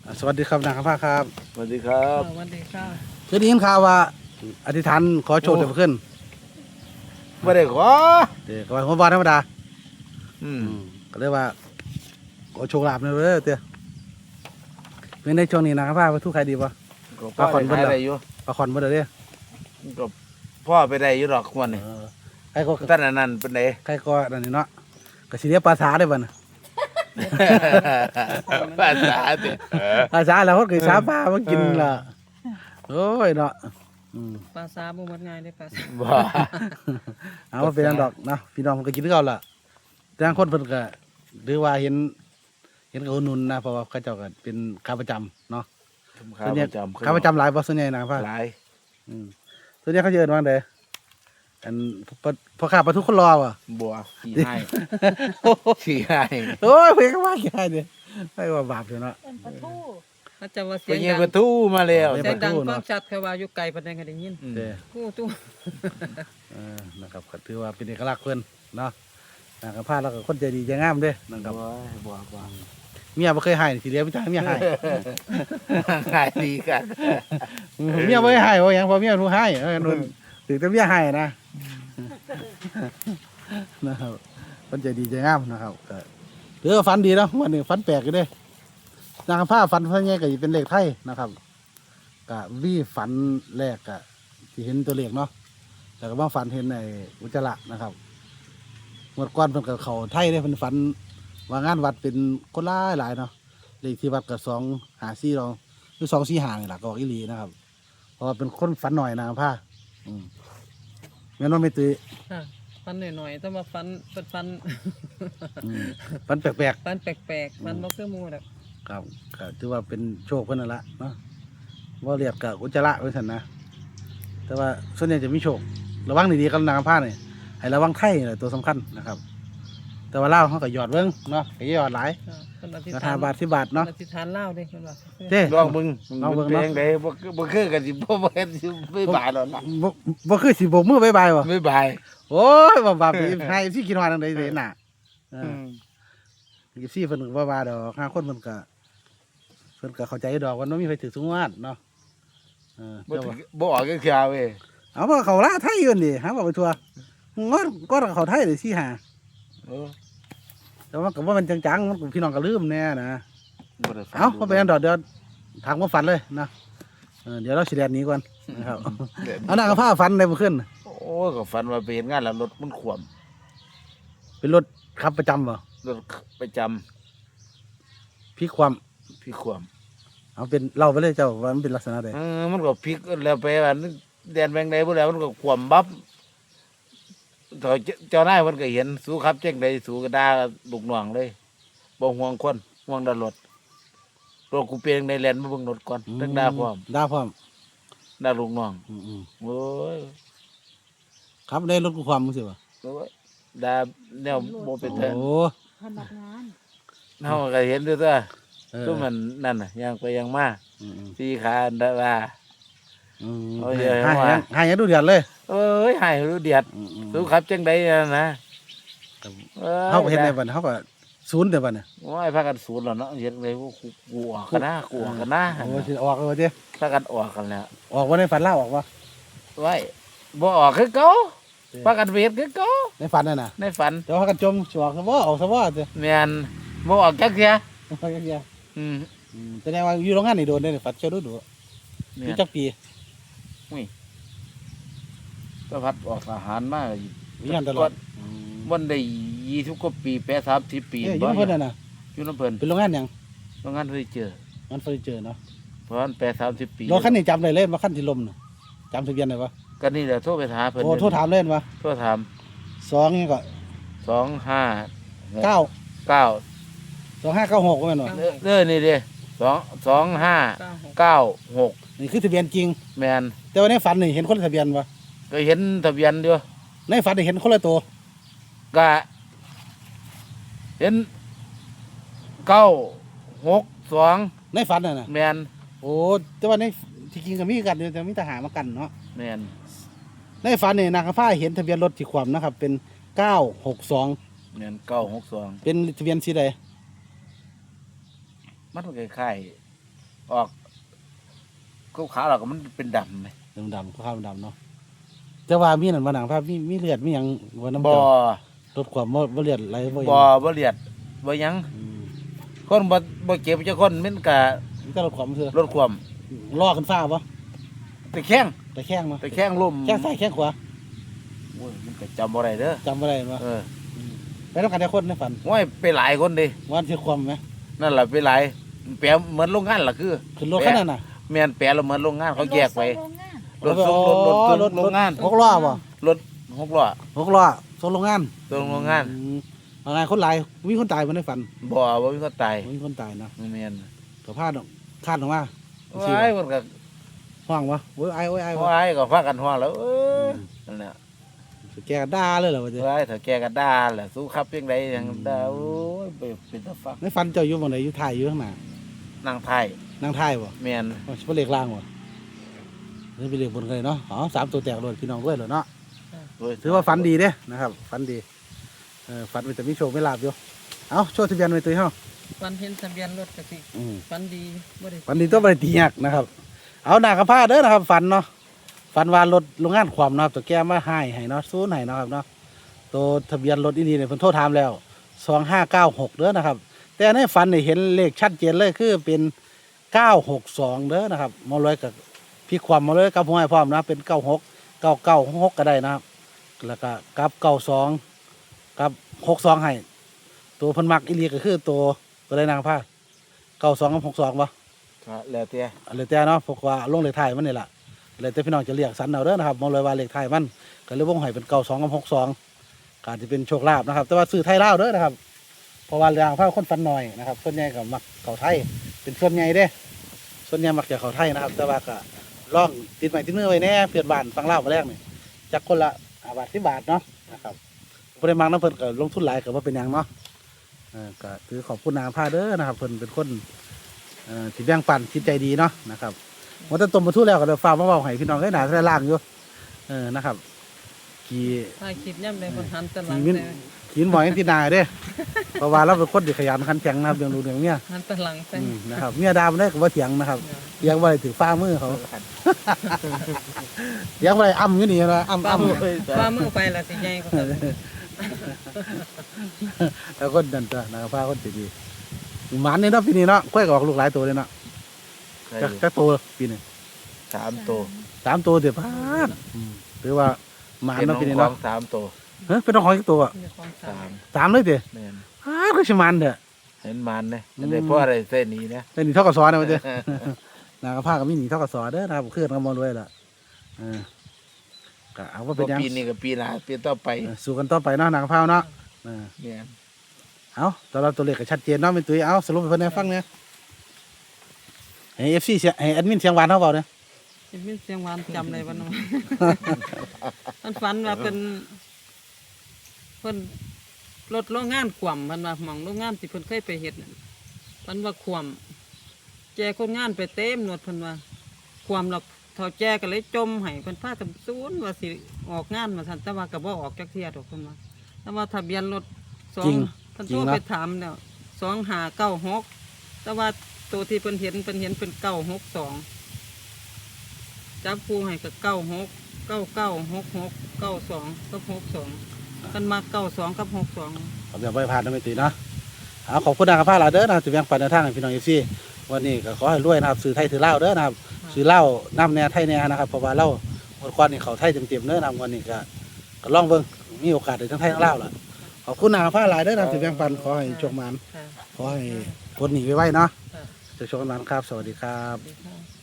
สวัสดีครับนางคำภาครับสวัสดีครับสวัสดีค่ะเคยได้ยินข่าวว่าอธิษฐานขอโชคเดี๋ยวขึ้นไม่ได้ขอเดี๋ยวก็ว่าหัวบอลธรรมดาอืมก็เลยว่าขอโชคลาภหน่อยเด้อเตี้ยเป็นในช่วงนี้นางคำภาไปทุกใครดีป่ะก็พ่อปลาขอนไปเบิ่งเหรอได้อยู่ประคอนบ่ได้เด้อก็พ่อไปได้อยู่หรอกวันนี้ใครก็ท่านอันนั้นเป็นไงใครก็นั่นนี่เนาะก็สิเรียกภาษาได้บ่น่ะภาษาเด้อภาษาแล้วก็คือสาปลามากินล่ะโอ้ยเนาะอืมปลาซาบ่หมดง่ายได้ปลาซาบ่เอาว่าเป็นอันดอกเนาะพี่น้องมันก็กินคือเก่าล่ะแต่บางคนเพิ่นก็หรือว่าเห็นกับอุดหนุนนะเพราะว่าเขาเจ้าก็เป็นขาประจำเนาะข้าประจำขาประจำหลายบ่ส่วนใหญ่นางฟ้าหลายส่วนใหญ่เขาจะเอิ้นว่าไดอันพอข้าปลาทุกคนรอว่ะบัวขี้ให้ขี้ให้โอ้ยเพิ่นก็ว่าแค่นี้ไม่ว่าบาปอยู่เนาะเป็นปลาทูถ้าจะว่าเสีไปยงเงี้ยดังประตูมาแล้วเสีเสียงดังปลาทูเนอะฟังชัดแค่ว่าอยู่ไกลปานใดก็ได้ยินอืมเด้อตู้นะครับก็ถือว่าเป็นเอกลักษณ์เพิ่นเนาะนางกับพาแล้วก็คนใจดีใจงามเด้นะครับบัวเมียบ่เคยให้สิเลี้ยงพี่จ้าเมียให้ขายดีกันเมียบ่ได้ให้ว่าหยังเพอเมียรู้ให้นุ่นถึงแต่เมียให้นะนะครับคนใจดีใจงามนะครับก็ถือว่าฝันดีเนาะวันนี้ฝันแปลกอยู่เด้นางกับพาฝันเพิ่นไงก็สิเป็นเลขไทยนะครับก็วีฝันแรกก็สิเห็นตัวเลขเนาะแล้วก็มาฝันเห็นในอุจจาระนะครับเมื่อก่อนเพิ่นก็เข้าไทยเด้เพิ่นฝันว่างานวัดเป็นคนหลายเนาะเลขที่วัดก็254เราหรือ245นี่ล่ะก็ออกอีหลีนะครับเพราะว่าเป็นคนฝันหน่อยนางกับพาแม่นว่าไม่ตื้อค่ะฟันหน่อยๆแต่ว่าฟันเป็นฟันฝันแปลกฟันแปลกๆฟันบ่คือหมู่ดอกๆครับก็ถือว่าเป็นโชคเพิ่นนั่นละเนาะว่าเรียกกับอุจจาระไว้ซั่นนะแต่ว่าส่วนใหญ่จะมีโชคระวังดีๆกับนางกับพานี่ให้ระวังไทยนี่แหละตัวสำคัญนะครับ แต่ว่าเล่าวเขาก็หยอดเบิ่งเนาะก็หยอดหลายค่ะเพิ่นอธิษราฐาคาน บาท10 บาทเนาะอธิษฐานลาวเด้เพิ่นว่าเด้ลองมึงลองเบิ่งเพลเนาะงใดบ่คือกันสิบ่เห็นสิไม่บายแล้วนะบ่คือสิโบกมือบายบายบ่ไม่บายโอ้ยบ่บาปสิให้สิกินฮอดจังได๋สิเห็นน่ะสิเพิ่นก็บ่ว่าดอก5คนเพิ่นก็เข้าใจดอกว่ามันมีไผถือสูงวาดเนาะบ่เจ้าว่าบ่ออกก็คือเว้ยเอาบ่เขาละไทยอยู่นี่หาบ่ไปทั่วงอดก็เขาไทยเลยสิหาเออแต่ว่าก็บ่แม่นจังๆมันก็พี่น้องก็ลืมแน่นะบ่ได้ฟังเอ้าบ่เป็นอันดอกเดี๋ยวถามความฝันเลยนะเดี๋ยวเราสิแล่นหนี้ก่อนนะครับเอาหน้ากับผ้าฝันได้บ่ขึ้นโอ้ก็ฝันว่าไปเห็นงานแล้วรถมันขวมเป็นรถขับประจำบ่รถประจำพลิกความพี่ขวมเอาเป็นเล่าไปเลยเจ้าว่ามันเป็นลักษณะใดมันก็พลิกแล้วไปว่าแดนแบงใดบ่แล้วมันก็ขวมบับเจ้านายมันก็เห็นสู้ครับเจ๊งใดสู้ก็ด่าลูกน้องเลยบ่ห่วงคนห่วงแต่รถกูเปลี่ยนในแลนมาเบิ่งรถก่อนตั้งด่าพร้อมด่าพร้อมด่าลูกน้องอืมโอ้ยๆครับได้รถกูความมึงสิบ่โอ้ยด่าแนวบ่เป็นโอ้เถอะพนักงานเฮาก็เห็นด้วยตัวเออก็มันนั่นน่ะยังไปยังมาอืมสี่ขาด่าว่าๆเอาเยอะให้ว่าให้ดูเดือดเลยเอ้ยหายรู้เดียดๆสู้ครับจังใดนะเฮาก็เฮ็ดได้บัดนี้เฮาก็ศูนย์เด้อบัดนี้โอ้ยพากันสูนแล้วเนาะเฮ็ดเลยกูออกกันนะกูออกกันนะโอ้สิออกเอาเด้พากันออกกันแล้วออกบ่ในฝันลาออกบ่ไว้บ่ออกคือเก่าพากันเวทคือเก่าในฝันนั่นน่ะในฝันแต่ว่ากันจมสิออกซะบ่ออกซะบ่เด้แม่นบ่ออกจักเที่ยไปกันเดียวอืมแสดงว่าอยู่โรงงานนี่โดนได้ฝัดเจ้าดูดูอแม่ยู่นจักปีก็พัดออกทหารมามีงานตลอดวันได้20กว่าปี8 30ปีเอ้ยอยู่เพิ่นน่ะนะอยู่นำเพิ่นเป็นโรงงานหยังโรงงานเพิ่นเจองานเฟอร์นิเจอร์เนาะเพราะมัน8 30ปีรถคันนี้จำได้เลยว่าคันที่ล้มน่ะจำทะเบียนได้ปะก็นี่แหละโทรไปหาเพิ่นโอ้โทรถามเล่นปะโทรถาม 2นี่ก็ 25 9 9 2596ว่าแม่นบ่นี่เด้2596 นี่คือทะเบียนจริงแม่นแต่ว่าในฝันนี่เห็นคนละทะเบียนปะก็เห็นทะเบียนอยู่ในฝันนี่เห็นคนละตัวก็เห็น962 ในฝันน่ะนะแม่นโอ้แต่ว่าในที่จริงก็มีกันอยู่แต่มีทหารมากันเนาะแม่นในฝันนี่นางฟ้าเห็นทะเบียนรถที่ความนะครับ เป็น962 แม่น962 เป็นทะเบียนสีใดมันคล้ายออกขาวๆแล้วก็มันเป็นดำไหมดำๆข้าวดำเนาะแต่ว่ามีนั่นมาหนังภาพมีเลือดมีหยังว่าน้ำบ่เจ้าลดความบ่เลือดไหลบ่หยังบ่เลียดบ่หยังอืมคนบ่เจ็บจะคนมันก็มันก็ลดความเถอะลดความล่อขึ้นฟ้าบ่ไปแข้งไปแข้งมาไปแข้งลมแข้งซ้ายแข้งขวาโอ้ยมันก็จำบ่ได้เด้อจำบ่ได้บ่เออไปนำกันได้คนในฝันโอ้ยไปหลายคนดิวันที่ความไหมนั่นล่ะไปหลายแปลเหมือนโรงงานล่ะคือขึ้นรถขนาดน่ะแม่นแปลแล้วเหมือนโรงงานเขาแยกไปโรงงานรถส่งรถโรงงานหกล้อบ่รถ6ล้อ 6ล้อส่งโรงงานส่งโรงงานอืมเอาไงคนหลายมีคนตายบ่ในฝันบ่มีคนตายมีคนตายเนาะแม่นก็พลาดออกคาดออกมาว้ายมันก็ห้องวะโอ้ยไอ้โอ้ยไอ้ว้ายก็พากันฮ้องแล้วนั่นแหละแกก็ด่าเลยเหรอวะเจ้ว้ายถ้าแกก็ด่าแหละสู้ครับเพียงใดยังด่าโอ้ยเป็นตาฟักในฝันเจ้าอยู่บ่ไหนอยู่ท้ายอยู่ข้างหน้านางไทยนั่งท้ายบ่แม่นว่าสิบ่เลขล่างบ่นี่เป็นเลขบนกันเลยเนาะอ๋อ3ตัวแตกโลดพี่น้องด้วยเหรอเนาะโอ้ยถือว่าฝันดีเด้นะครับฝันดีฝันมันจะมีโชคไม่ลาบอยู่เอาโชว์ทะเบียนไว้ตัวเฮาฟันเห็นทะเบียนรถก็สิอืมฟันดีบ่ได้ฝันดีต้องบ่ไปตียากนะครับ เอาหน้ากระพร้าเด้อนะครับฝันเนาะฝันว่ารถโรงงานความนะครับตัวแก้มาให้เนาะซูนย์ให้เนาะครับเนาะตัวทะเบียนรถอีนี่เนี่ยเพิ่นโทรถามแล้ว2596เด้อนะครับ แต่ในฝันนี่เห็นเลขชัดเจนเลยคือเป็น962เด้อนะครับมาเลยกับพี่ความมาเลยกับหัวให้พร้อมนะเป็น96 9966ก็ได้นะครับ แล้วก็กับ92กับ62ให้ตัวเพิ่นมักอีหลีก็คือตัวใดนางผ้า92กับ62บ่ก็แล้วแต่เลยแต่เนาะพวกว่าลงเลขท้ายมันนี่แหละเลยแต่พี่น้องจะเรียกสันเอาเด้อนะครับมองเลยว่าเลขท้ายมันก็เลยวงให้เป็น92กับ62ก็อาจจะเป็นโชคลาภนะครับ แต่ว่าซื้อไทยลาวเด้อนะครับเพราะว่าเรื่องผ้าคนฟันน้อยนะครับส่วนใหญ่ก็มักเขาไทยเป็นส่วนใหญ่เด้ส่วนใหญ่มักจะเขาไทยนะครับ แต่ว่าก็ลองติดไม้ติดมือไว้แน่เพื่อนบ้านฟังลาวมาแรกนี่จักคนละ5 บาท10 บาทเนาะนะครับบ่ได้มักน้ำเพิ่นก็ลงทุนหลายก็บ่เป็นหยังเนาะก็ถือขอบคุณนางผ้าเด้อนะครับเพิ่นเป็นคนที่แบ่งปันจิตใจดีเนาะนะครับว่าแต่ต้มปลาทูแล้วก็เดี๋ยวฝากมาเว้าให้พี่น้องได้หนาได้ล่างอยู่นะครับกี่ถ้าคิดย่ำใดคนหันแตะหลังมีแต่กินบ่อยที่นาเด้ เพราะว่าเราเป็นคนที่ขยันขันแข็งนะครับเรื่องลูกเรื่องเมียหันแตะหลังแต่นะครับเมียดามันได้ก็บ่เถียงนะครับเถียงบ่ได้ถือฟ้ามือเขาเถียงบ่ได้อ้ำอยู่นี่นะอ้ำฟ้าอ้ำมือฟ้ามือไปละสิใหญ่กว่าเดิมแล้วคนนั่นตัวนะครับฟ้าคนสิดีหมันนี่เนาะปีนี้เนาะค่อยก็ออกลูกหลายตัวเลยเนาะจักตัวปีนี้ 3ตัว 3ตัวเดี๋ยวพาดหรือว่าหมันเป็นขเนาะองปีนี้ขอเนาะง3ตัวเฮ้ยเป็นน้องของอีกตัวมีความสาม 3เลยเด้แม่นก็สิมันเด้อเห็นมันเนี่ยได้เพราะอะไรเส้นนี้นะเป็นหนีเท่ากับซอนะมันเด้ นะครับผ้าก็มีหนีเท่ากับซอเด้อนะครับเคลื่อนกันมาด้วยล่ะก็เอาว่าเป็นหยังปีนี้กับปีหน้าปีต่อไปสู้กันต่อไปเนาะนางผ้าเนาะเนี่ยเอาตอนเราตัวเลขก็ชัดเจนเนาะเป็นตุ้ยเอาสรุปให้เพิ่นได้ฟังเนี่ยให้ FC เสียให้แอดมินเสียงหวานเฮาเปล่าเนี่ยชีวิตเสียงหวานจำได้บ่เนาะ มันฝันว่าเป็นเพิ่นรถโรงงานขวมมันว่าหม่องโรงงานที่เพิ่นเคยไปเฮ็ดนั่นฝันว่าขวมแจคนงานไปเต็มหนวดเพิ่นว่าขวมแล้วเท่าแจก็เลยจมให้เพิ่นพากันซูนว่าสิออกงานมาซั่นแต่ว่าก็บ่ออกจักเที่ยดอกเพิ่นว่าแต่ว่าทะเบียนรถ2 จริงเพิ่นจริโทงรเนาะไปถามแล้ว2596แต่ว่าตัวที่เพิ่นเห็นเป็น962จับคู่ให้ก็96 9966 92กับ62กันมา92กับ62 เอาแบบไปผ่านไม่ตีเนาะเอาขอบคุณนะครับผ้าหลายเด้อนะครับจะแบ่งปันในทางให้พี่น้อง FC วันนี้ก็ขอให้รวยนะครับซื้อไทยถือเหล้าเด้อนะครับซื้อเหล้าน้ำแน่ไทยแน่นะครับเพราะว่าเหล้าวันก่อนนี่เขาไทยเต็มๆเด้อนะครับวันนี้ก็ลองเบิ่งมีโอกาสได้ทั้งไทยทั้งเหล้าล่ะขอบคุณนะครับผ้าหลายเด้อนะครับจะแบ่งปันขอให้โชคมันค่ะขอให้พ้นหนีไว้ๆเนาะค่ะจะโชคกันมันครับ สวัสดีครับสวัสดีค่ะ